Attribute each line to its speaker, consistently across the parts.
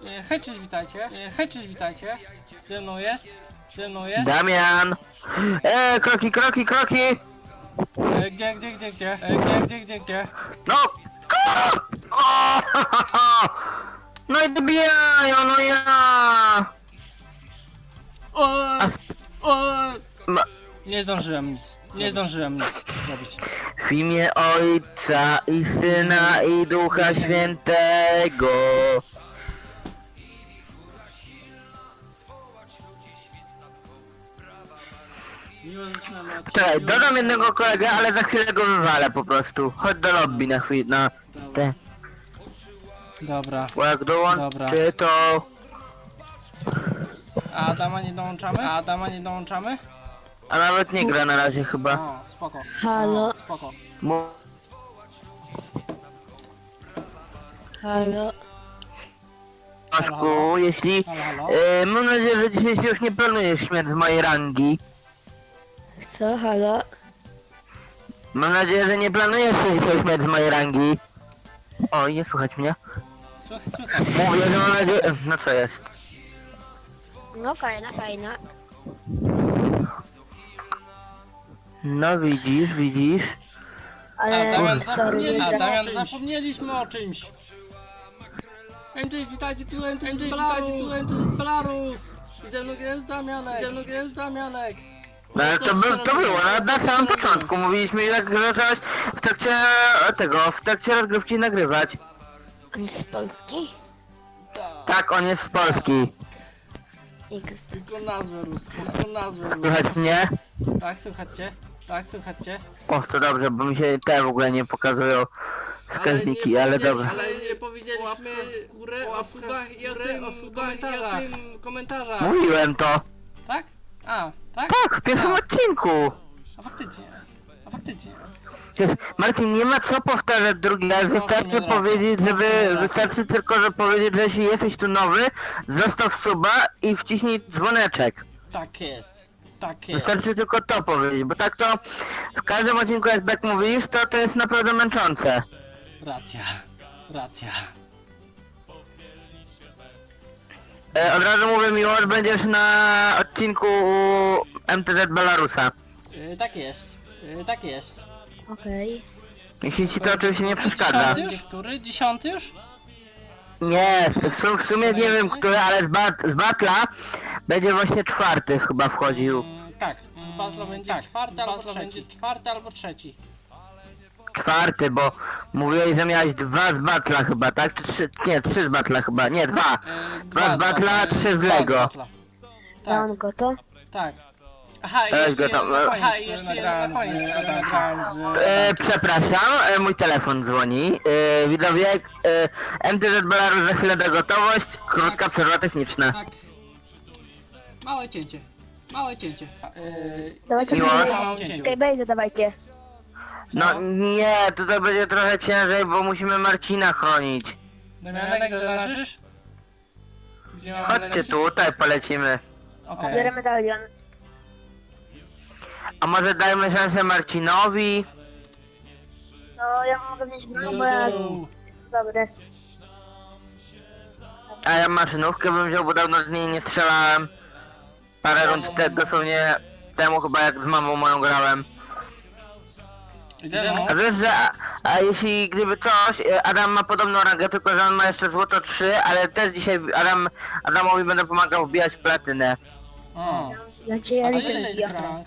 Speaker 1: Hej, cześć, witajcie. Hej, cześć, witajcie. Ze mną jest.
Speaker 2: Damian! Kroki!
Speaker 1: Gdzie?
Speaker 2: No! O! No i dobijają, no ja!
Speaker 1: Nie zdążyłem nic zrobić.
Speaker 2: W imię Ojca i Syna i Ducha Świętego.
Speaker 1: Miło zaczynamy od...
Speaker 2: Czekaj, dodam jednego kolegę, ale za chwilę go wywalę po prostu. Chodź do lobby na chwilę, na te.
Speaker 1: Dobra.
Speaker 2: Bo jak dołączy to...
Speaker 1: A Adama nie dołączamy?
Speaker 2: A nawet nie gra na razie chyba.
Speaker 1: O, spoko.
Speaker 3: Halo,
Speaker 1: Spoko.
Speaker 3: halo.
Speaker 2: Maszku, jeśli...
Speaker 1: Halo?
Speaker 2: mam nadzieję, że dzisiaj się już nie planujesz śmierć z mojej rangi.
Speaker 3: Co, halo?
Speaker 2: Mam nadzieję, że nie planujesz się dzisiaj śmierć z mojej rangi. O, nie słychać mnie.
Speaker 1: Słuchaj.
Speaker 2: Mówię, że mam nadzieję... No co jest?
Speaker 3: No fajna.
Speaker 2: No widzisz.
Speaker 3: Ale sorry, nie
Speaker 1: Damian,
Speaker 3: gra.
Speaker 1: zapomnieliśmy o czymś. MJ, witajcie tu jest Belarus. I ze mną jest Damianek.
Speaker 2: No ale to było na samym początku. Mówiliśmy jak zacząłeś w trakcie rozgrywki nagrywać.
Speaker 3: On jest z Polski?
Speaker 2: Tak, on jest z Polski.
Speaker 1: Tylko nazwę ruską.
Speaker 2: Słychać mnie?
Speaker 1: Tak, słuchajcie.
Speaker 2: O, to dobrze, bo mi się te w ogóle nie pokazują wskaźniki, ale dobra.
Speaker 1: Ale nie powiedzieliśmy górę o subach i o tym komentarzach.
Speaker 2: Mówiłem to.
Speaker 1: Tak? A, tak?
Speaker 2: Tak, w pierwszym odcinku.
Speaker 1: A faktycznie.
Speaker 2: Marcin, nie ma co powtarzać drugi raz, wystarczy powiedzieć, wystarczy tylko, że powiedzieć, że jeśli jesteś tu nowy, zostaw suba i wciśnij dzwoneczek.
Speaker 1: Tak jest.
Speaker 2: Wystarczy tylko to powiedzieć, bo tak to w każdym odcinku jak tak mówisz, to jest naprawdę męczące.
Speaker 1: Racja.
Speaker 2: Od razu mówię, Miłosz, będziesz na odcinku u MTZ Belarusa.
Speaker 1: Tak jest.
Speaker 3: Okej.
Speaker 2: Jeśli ci to oczywiście nie przeszkadza.
Speaker 1: Dziesiąty już?
Speaker 2: Nie, w sumie nie wiem który, ale z Batla będzie właśnie czwarty chyba wchodził.
Speaker 1: Tak, z Battle będzie czwarty albo trzeci.
Speaker 2: Czwarty, bo mówiłeś, że miałeś dwa z Batla chyba, tak? Czy trzy? Nie, trzy z Batla chyba, nie, dwa. Dwa z Batla, trzy z Lego.
Speaker 3: Mam go to?
Speaker 1: Tak. Aha, i jeszcze jeden na koniec nagrałem z...
Speaker 2: Przepraszam, mój telefon dzwoni. Widzowie, MTZ Belarus za chwilę da gotowość, krótka przerwa techniczna.
Speaker 1: Tak. Małe cięcie.
Speaker 3: Dawajcie
Speaker 2: Miło.
Speaker 3: Skybase dawajcie.
Speaker 2: No nie, tutaj będzie trochę ciężej, bo musimy Marcina chronić.
Speaker 1: Damianek, zaznaczysz? Gdzie mamy
Speaker 2: Chodźcie
Speaker 1: lecieć?
Speaker 2: tutaj, polecimy.
Speaker 1: Okej.
Speaker 3: Biorę medalion.
Speaker 2: A może dajmy szansę Marcinowi?
Speaker 3: No ja mogę wziąć broń, bo ja jestem dobry.
Speaker 2: A ja maszynówkę bym wziął, bo dawno z niej nie strzelałem. Parę rund dosłownie temu chyba jak z mamą moją grałem.
Speaker 1: Idziemy.
Speaker 2: A wiesz, że a jeśli gdyby coś, Adam ma podobną rangę, tylko że on ma jeszcze złoto 3, ale też dzisiaj Adamowi będę pomagał wbijać platynę.
Speaker 1: O.
Speaker 3: Ja cię
Speaker 1: A
Speaker 3: ja
Speaker 1: to
Speaker 3: liczę
Speaker 1: ile
Speaker 3: z
Speaker 1: jest
Speaker 3: diachą.
Speaker 1: rank?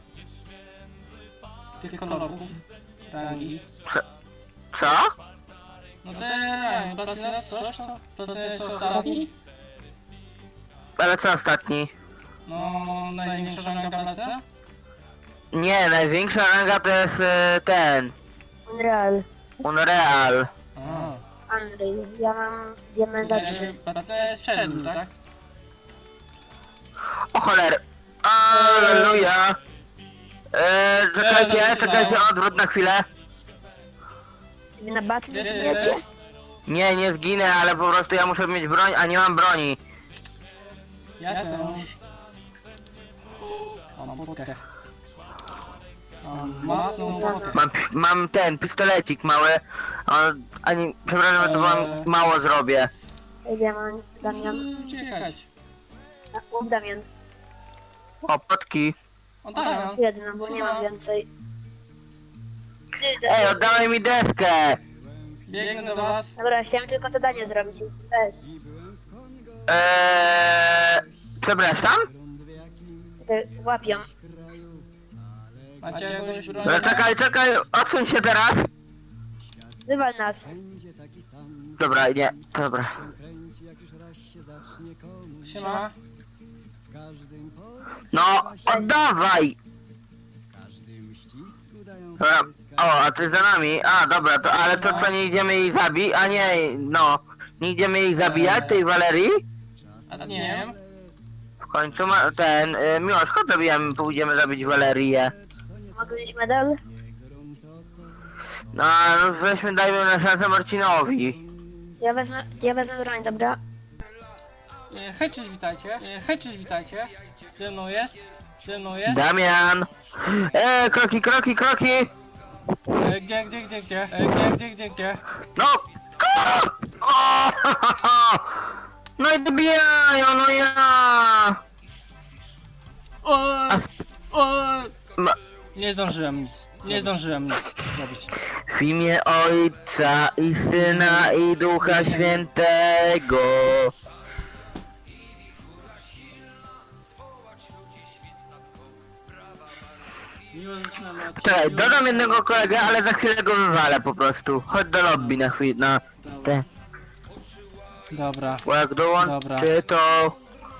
Speaker 1: Tych kolorów. Rangi.
Speaker 2: Co?
Speaker 1: No te platyna coś to? Platyna jest to ostatni?
Speaker 2: Ale co ostatni?
Speaker 1: No, największa ranga platyna?
Speaker 2: Nie, największa ranga to jest ten,
Speaker 3: Unreal.
Speaker 2: Unreal.
Speaker 3: Unreal. Ja mam diamenta 3.
Speaker 1: Platyna jest przed nim, tak?
Speaker 2: O choler. Alleluja. Czekajcie, odwrót na chwilę.
Speaker 3: Wy na battle
Speaker 1: Wiesz,
Speaker 3: zginiecie?
Speaker 2: Nie, nie zginę, ale po prostu ja muszę mieć broń, a nie mam broni.
Speaker 1: Ja też. Mam potkę. Mam mocną potkę.
Speaker 2: Mam ten pistolecik mały. Przepraszam, że to wam mało zrobię.
Speaker 3: Damian, Damian.
Speaker 1: Uciekać.
Speaker 3: Łap Damian.
Speaker 2: O, potki.
Speaker 1: O, Damian.
Speaker 3: Jedna, bo nie mam więcej. Ty,
Speaker 2: Ej, oddawaj mi deskę.
Speaker 1: Biegnę do was.
Speaker 3: Dobra, chciałem tylko zadanie zrobić. Weź.
Speaker 2: Przepraszam?
Speaker 3: Łapią.
Speaker 1: Macie jakąś broń?
Speaker 2: No, czekaj, odsuń się teraz.
Speaker 3: Wywal nas.
Speaker 2: Dobra, nie, dobra.
Speaker 1: Siema.
Speaker 2: No, oddawaj! Dobra, o, a ty za nami? A, dobra, to, ale to co, nie idziemy jej zabić? A nie, no, nie idziemy jej zabijać, tej Walerii?
Speaker 1: A nie wiem.
Speaker 2: W końcu ma, Miłosz, chodź zabijamy, pójdziemy zabić Walerię.
Speaker 3: Mogę mieć medal?
Speaker 2: No, weźmy, dajmy na szansę Marcinowi.
Speaker 3: Ja wezmę broń, dobra?
Speaker 1: Hej, cześć, witajcie. Hej, cześć, witajcie. Ze mną jest. Ze mną jest.
Speaker 2: Damian! Kroki!
Speaker 1: Gdzie?
Speaker 2: No! O! No i dobijają, no ja! Ma-
Speaker 1: Nie zdążyłem nic. Nie zdążyłem nic zrobić.
Speaker 2: W imię Ojca i Syna i Ducha Świętego.
Speaker 1: Miło zaczynamy od
Speaker 2: Czekaj, dodam jednego kolegę, ale za chwilę go wywalę po prostu. Chodź do lobby na chwilę, na te.
Speaker 1: Dobra.
Speaker 2: Bo jak dołączy to...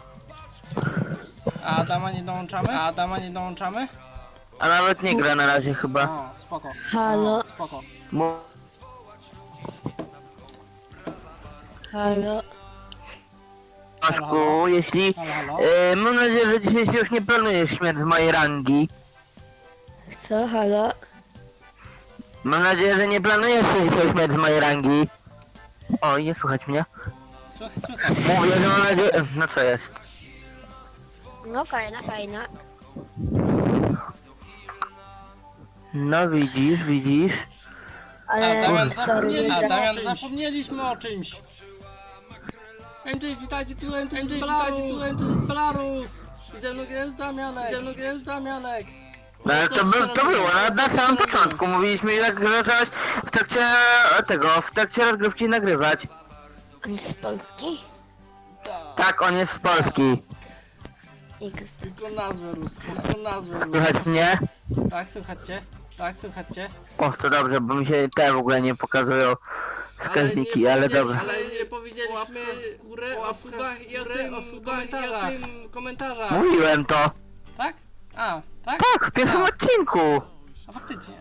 Speaker 1: A Adama nie dołączamy?
Speaker 2: A nawet nie gra na razie chyba.
Speaker 1: O, spoko.
Speaker 3: Halo?
Speaker 1: O, spoko.
Speaker 2: Mu-
Speaker 3: Halo?
Speaker 2: Moszku, jeśli...
Speaker 1: Halo?
Speaker 2: mam nadzieję, że dzisiaj się już nie planujesz śmierć z mojej rangi.
Speaker 3: Co? Halo?
Speaker 2: Mam nadzieję, że nie planujesz się dzisiaj śmierć z mojej rangi. O, nie słychać mnie.
Speaker 1: Słuchaj.
Speaker 2: Mówię, że mam nadzieję... No co jest?
Speaker 3: No fajna.
Speaker 2: No widzisz.
Speaker 3: Ale...
Speaker 1: Damian,
Speaker 3: sorry,
Speaker 1: zapomnieliśmy o czymś. MJ, witajcie tu, jest Belarus. Ze mną jest Damianek.
Speaker 2: No ale to było, na samym początku. Mówiliśmy, jak zacząłeś w trakcie rozgrywki nagrywać.
Speaker 3: On jest z Polski?
Speaker 2: Tak, on jest z Polski.
Speaker 3: X.
Speaker 1: Tylko nazwę ruską.
Speaker 2: Słychać mnie?
Speaker 1: Tak, słuchajcie.
Speaker 2: O, to dobrze, bo mi się te w ogóle nie pokazują wskaźniki, ale dobra.
Speaker 1: Ale nie powiedzieliśmy górę o subach i o tym komentarzach.
Speaker 2: Mówiłem to.
Speaker 1: Tak? A, tak?
Speaker 2: Tak, w pierwszym odcinku.
Speaker 1: A faktycznie.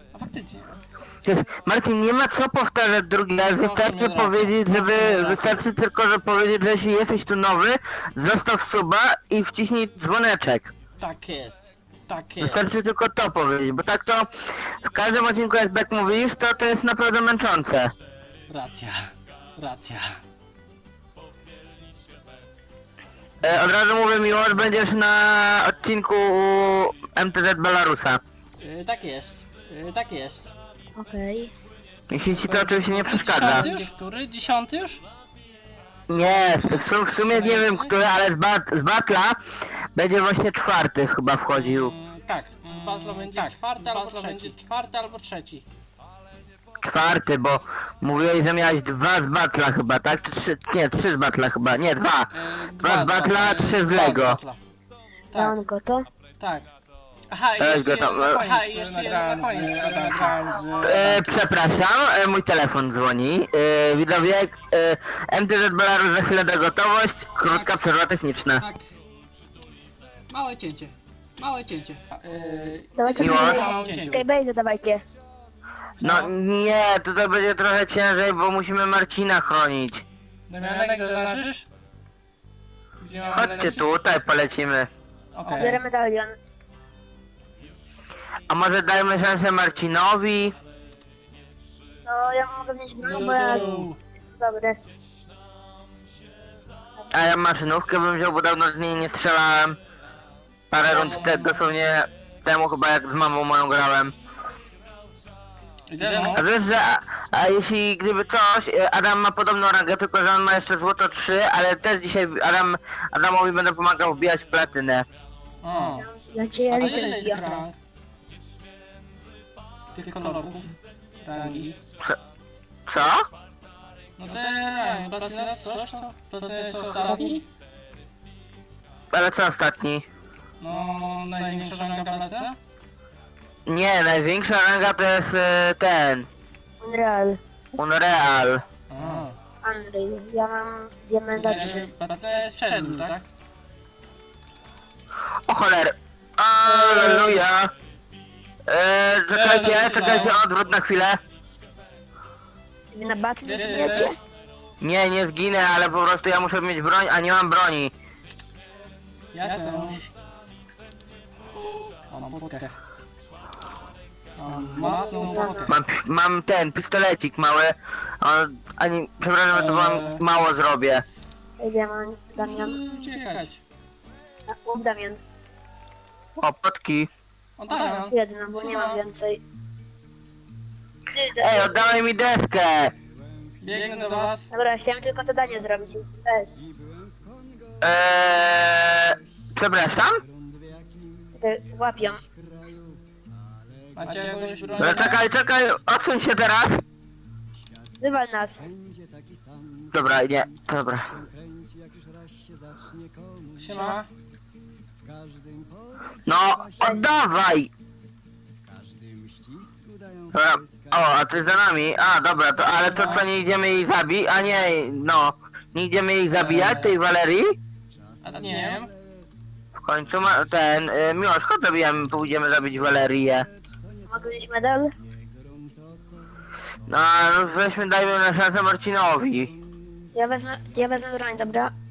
Speaker 2: Marcin, nie ma co powtarzać drugi raz, wystarczy
Speaker 1: racja.
Speaker 2: powiedzieć,
Speaker 1: Racja.
Speaker 2: wystarczy tylko, że powiedzieć, że jeśli jesteś tu nowy, zostaw suba i wciśnij dzwoneczek.
Speaker 1: Tak jest.
Speaker 2: Wystarczy tylko to powiedzieć, bo tak to w każdym odcinku jak tak mówisz, to jest naprawdę męczące.
Speaker 1: Racja.
Speaker 2: Od razu mówię, Miłosz, będziesz na odcinku u MTZ Belarusa.
Speaker 1: Tak jest.
Speaker 3: Okej.
Speaker 2: Jeśli ci to oczywiście nie przeszkadza.
Speaker 1: 10 już? Który? 10 już?
Speaker 2: Nie, w sumie nie wiem który, ale z Batla będzie właśnie czwarty chyba wchodził.
Speaker 1: Tak, z Battle będzie czwarty albo trzeci.
Speaker 2: Czwarty, bo mówiłeś, że miałeś dwa z Batla chyba, tak? Czy trzy? Nie, trzy z Batla chyba, nie, dwa. Dwa z Batla, trzy z Lego.
Speaker 1: Tak,
Speaker 3: Mam go to?
Speaker 1: tak. Aha, i jeszcze jeden na koniec.
Speaker 2: Przepraszam, mój telefon dzwoni. Widzowie, MTZ Belarus za chwilę da gotowość, krótka przerwa techniczna.
Speaker 1: Tak. Małe cięcie.
Speaker 3: Dawajcie
Speaker 2: Miło.
Speaker 3: Skybase dawajcie.
Speaker 2: No nie, to będzie trochę ciężej, bo musimy Marcina chronić.
Speaker 1: Damianek, zaznaczysz? Gdzie mam
Speaker 2: Chodźcie
Speaker 1: lecieć?
Speaker 2: tutaj, polecimy.
Speaker 1: Okej.
Speaker 3: Biorę medalion.
Speaker 2: A może dajmy szansę Marcinowi?
Speaker 3: No ja mogę mieć broń, bo ja jestem dobry.
Speaker 2: A ja maszynówkę bym wziął, bo dawno z niej nie strzelałem. Parę rund dosłownie temu chyba jak z mamą moją grałem.
Speaker 1: Ze mną?
Speaker 2: A wiesz, że A jeśli gdyby coś, Adam ma podobną rangę, tylko że on ma jeszcze złoto 3, ale też dzisiaj Adamowi będę pomagał wbijać platynę.
Speaker 1: O,
Speaker 3: Dla ciebie
Speaker 1: a to
Speaker 3: elitę
Speaker 1: ile jest
Speaker 3: wbijam.
Speaker 1: rank? Tych kolorów rangi.
Speaker 2: Co?
Speaker 1: No te rangi, platyna coś to jest to ostatni?
Speaker 2: Ale co ostatni?
Speaker 1: No, największa ranga platyna?
Speaker 2: Nie, największa ranga to jest ten,
Speaker 3: Unreal.
Speaker 2: Unreal.
Speaker 1: A,
Speaker 3: Unreal. Ja mam diamenta 3.
Speaker 1: platyna jest przed nim, tak?
Speaker 2: O choler. Alleluja. Czekajcie, odwrót na chwilę.
Speaker 3: Wy na battle
Speaker 1: Gdzie ty
Speaker 3: zginiecie?
Speaker 1: jesteś?
Speaker 2: Nie, nie zginę, ale po prostu ja muszę mieć broń, a nie mam broni.
Speaker 1: Ja też. O, mam potkę. Mam mocną potkę.
Speaker 2: Mam ten pistolecik mały. Przepraszam, to wam mało zrobię.
Speaker 3: Ej, diament, Damian.
Speaker 1: Muszę uciekać.
Speaker 3: Łup Damian.
Speaker 2: O, potki.
Speaker 1: O, Damian.
Speaker 3: Jedna, bo nie mam więcej. Ty,
Speaker 2: Ej,
Speaker 3: Damian.
Speaker 2: oddawaj mi deskę.
Speaker 1: Biegnę do was.
Speaker 3: Dobra, chciałem tylko zadanie zrobić. Weź.
Speaker 2: Przepraszam?
Speaker 3: Łapią.
Speaker 1: Macie jakąś broń?
Speaker 2: No, czekaj, odsuń się teraz.
Speaker 3: Wywal nas.
Speaker 2: Dobra, nie, dobra.
Speaker 1: Siema.
Speaker 2: No, oddawaj! Dobra, o, a ty za nami. A, dobra, to ale to co, nie idziemy jej zabić? A nie, no. Nie idziemy jej zabijać, tej Walerii?
Speaker 1: A nie wiem.
Speaker 2: W końcu ma ten, Miłosz, chodź zabijamy, pójdziemy zabić Walerię.
Speaker 3: Mogę mieć medal?
Speaker 2: No, weźmy, dajmy na szansę Marcinowi.
Speaker 3: Ja wezmę broń, dobra?